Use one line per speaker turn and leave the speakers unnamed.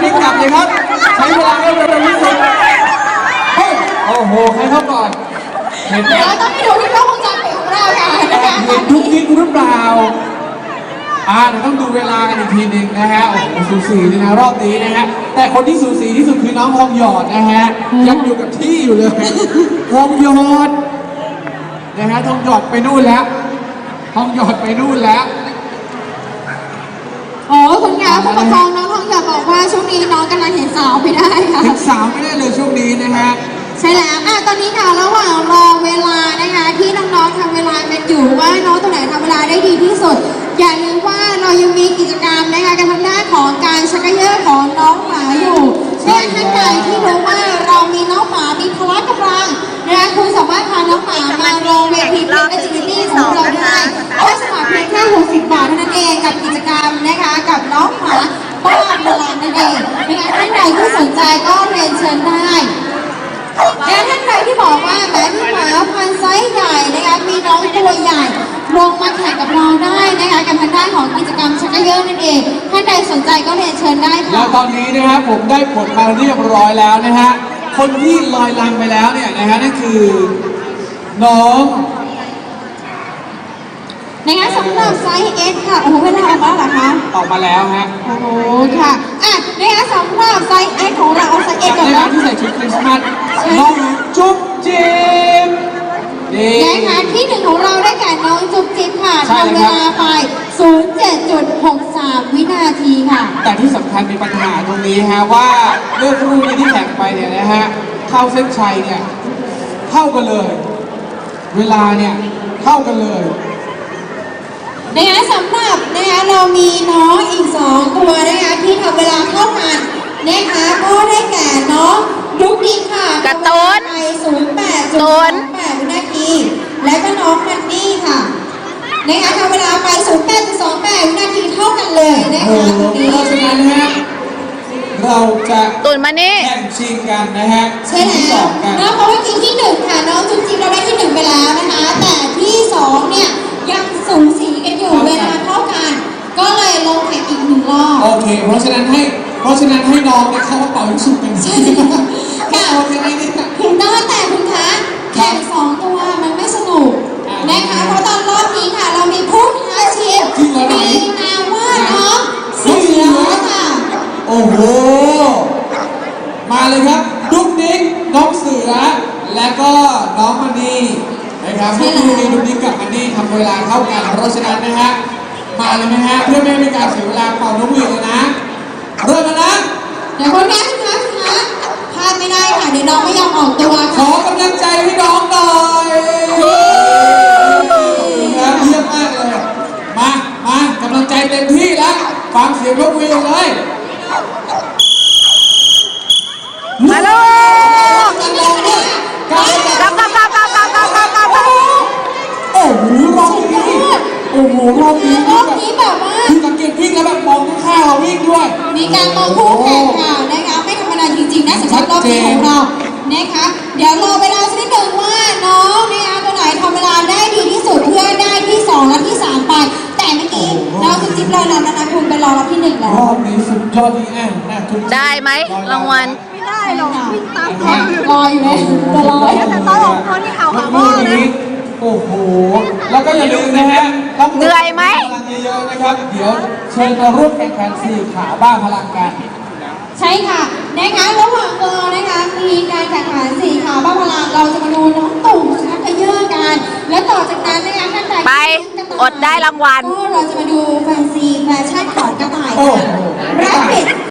รีบกลับเลยครับใช้เวลาให้เร็วที่สุดโอ้โหใครเข้าก่อนเห็นไหม
เดี๋ยวต้องไปดูที่กล้องวงจรปิดของเราค่ะนะคะ
เห็นทุกนิดหรือเปล่าเดี๋ยวต้องดูเวลากันอีกทีหนึ่งนะฮะโอ้โหสูสีเลยนะรอบนี้นะฮะแต่คนที่สูสีที่สุดคือน้องทองหยอดนะฮะยังอยู่กับที่อยู่เลยทองหยอดนะฮะทองหยอดไปนู่นแล้วทองหยอดไปนู่นแล้ว
โอ้คุณคะผู้ปกครองน้องทองหยอดบอกว่าช่วงนี้น้องกำลังเห็นสาวไม่ได้ค่ะ
ถึงสาวไม่ได้เลยช่วงนี้นะฮะ
ใช่แล้วตอนนี้ค่ะระหว่างรอเวลานะคะที่น้องๆทำเวลากันอยู่ว่าน้องตัวไหนทำเวลาได้ดีที่สุดอย่าลืมว่าเรายังมีกิจกรรมนะคะการทำหน้าของการชักกระเยาะของน้องหมาอยู่เพื่อท่านใดที่รู้ว่าเรามีน้องหมามีพละกำลังนะคะคุณสามารถพาน้องหมามาลงเวทีเป็น activity ของเราได้แค่สมัครเพียงแค่60 บาทเท่านั้นเองกับกิจกรรมนะคะกับน้องหมาบ้าพลังนั่นเองนะคะท่านใดที่สนใจก็เรียนเชิญได้และท่านใดที่บอกว่าแม้พี่หมาพันธุ์ไซส์ใหญ่นะคะมีน้องตัวใหญ่ลงมาแข่งกับเราได้นะคะกับทางด้านของกิจกรรมชักกระเยาะนั่นเองท่านใดสนใจก็เรียนเชิญได้ค่ะ
แล้วตอนนี้นะครับผมได้ผลมาเรียบร้อยแล้วนะฮะคนที่ลอยลำไปแล้วเนี่ยนะฮะนั่นคือน้อง
นะคะสำหรับไซส์ S ค่ะโอ้โหเวลาออกมาเหรอคะ
ออกมาแล้วฮะ
โอ้โหค่ะนะคะสำหรับไซส์ S ของเราเอาไซส์ S ก่อน
ใน
เนาะ
ที่ใส่ชุดคริสต์มาสน้องจุ๊บจิ๊บนี่
นะคะที่หนึ่งของเราได้แก่น้องจุ๊บจิ๊บค่ะ
ใช่
ทำ
เล
เวย
ครับ
ลาไป 07.63 วินาทีค่ะ
แต่ที่สำคัญมีปัญหาตรงนี้ฮะว่าเรื่องคู่นี้ที่แข่งไปเนี่ยนะฮะเข้าเส้นชัยเนี่ยเท่ากันเลย เวลาเนี่ยเท่ากันเลย
นะคะสำหรับนะคะเรามีน้องอีก2ตัวนะคะที่ทำเวลาเท่ากันนะคะก็ได้แก่น้องดุ๊กดิ๊กค่ะ
การ์ตูน
ไป 08.28 วินาที และก็น้องมันนี่ค่ะนะคะทำเวลาไป 08.28 วินาทีเท่ากันเลยนะ
โอ้
คะ
โห
ตรงนี้
เพราะฉะนั้นนะฮะเราจะ
ตุนมานี่
แข่งชิงกันนะฮะ
ใช่
ที่
แล้
ส
ว
องกัน
นะเพราะว่าจริงที่1ค่ะน้องจุ๊บจิ๊บเราได้ที่1ไปแล้วนะคะแต่ที่2เนี่ยยังสูสีกันอยู่เวลาเท่ากัน ก็เลยลงแข่งอีก1 รอบ
โอเค เพราะฉะนั้นให้น้องเนี่ยเข้ามาเป่ายิงฉุบกัน
ใช่
ค่ะโอเคไหมเนี่ย
ถึงได้แต่คุณคะแข่ง2 ตัวมันไม่สนุกนะคะเพราะตอนรอบนี้ค่ะเรามีผู้ท้าชิงมีนามว่าน้องเสือค่ะ
โอ้โห มาเลยครับดุ๊กดิ๊กน้องเสือ และก็น้องมันนี่นะครับเมื่อกี้นี้ดุ๊กดิ๊กกับมันนี่ทำเวลาเท่ากัน เพราะฉะนั้นนะฮะ มาเลยนะฮะ เพื่อไม่ให้เป็นการเสียเวลาเป่านกหวีดเลยนะ เริ่มแล้วนะ
เดี๋ยวคนแรกนะคะพลาดไม่ได้ค่ะเดี๋ยวน้องไม่ยอมออกตัว
ข
ค่ะ
อกำลังใจให้น้องหน่อยครับเยี่ยมมากเลย มากำลังใจเต็มที่แล้ว ฟังเสียงนกหวีดเลย
มาลูก
จริงๆแล้วเนี่ย
กลับ
กลับ
โอ้โหรอบนี้โอ้โหรอบนี้
รอบนี้แบบว่า
คือสังเกตวิ่งแล้วแบบมองข้างๆเราวิ่งด้วย
มีการมองคู่แข่งค่ะนะคะไม่ธรรมดาจริงๆนะสำหรับรอบนี้ของเรานะคะเดี๋ยวรอเวลาสักนิดหนึ่งว่าน้องนะคะตัวไหนทำเวลาได้ดีที่สุดเพื่อได้ที่2และที่3ไป แต่เมื่อกี้น้องจุ๊บจิ๊บรอแล้วนะคุณไปรอรับที่1แล้ว
รอบนี้สุดยอดดีแน่นะคุณ
ได้ไหมรางวัล
ไม่ได้หรอกวิ่งตาม
รออยู่เลยจะรอ
แต่ตอนออกตัวนี่เอาหาหม้อเลย
โอ้โห แล้วก็อย่าลืมนะฮะต้อง
เหนื่อยไหม
พลังเยอะๆนะครับ เดี๋ยวเชิญมาร่วมแข่งขันสี่ขาบ้าพลังกัน
ใช่ค่ะนะคะระหว่างรอนะคะมีการแข่งขันสี่ขาบ้าพลังเราจะมาดูน้องตุ่มชักกระเยาะกันและต่อจากนั้นนะคะท่านใด
ไปอดได้รางวัล
ก็เราจะมาดูแฟนซีแฟชั่นของกระต่าย
โอ้
ค่ะ
โห
แรปปิด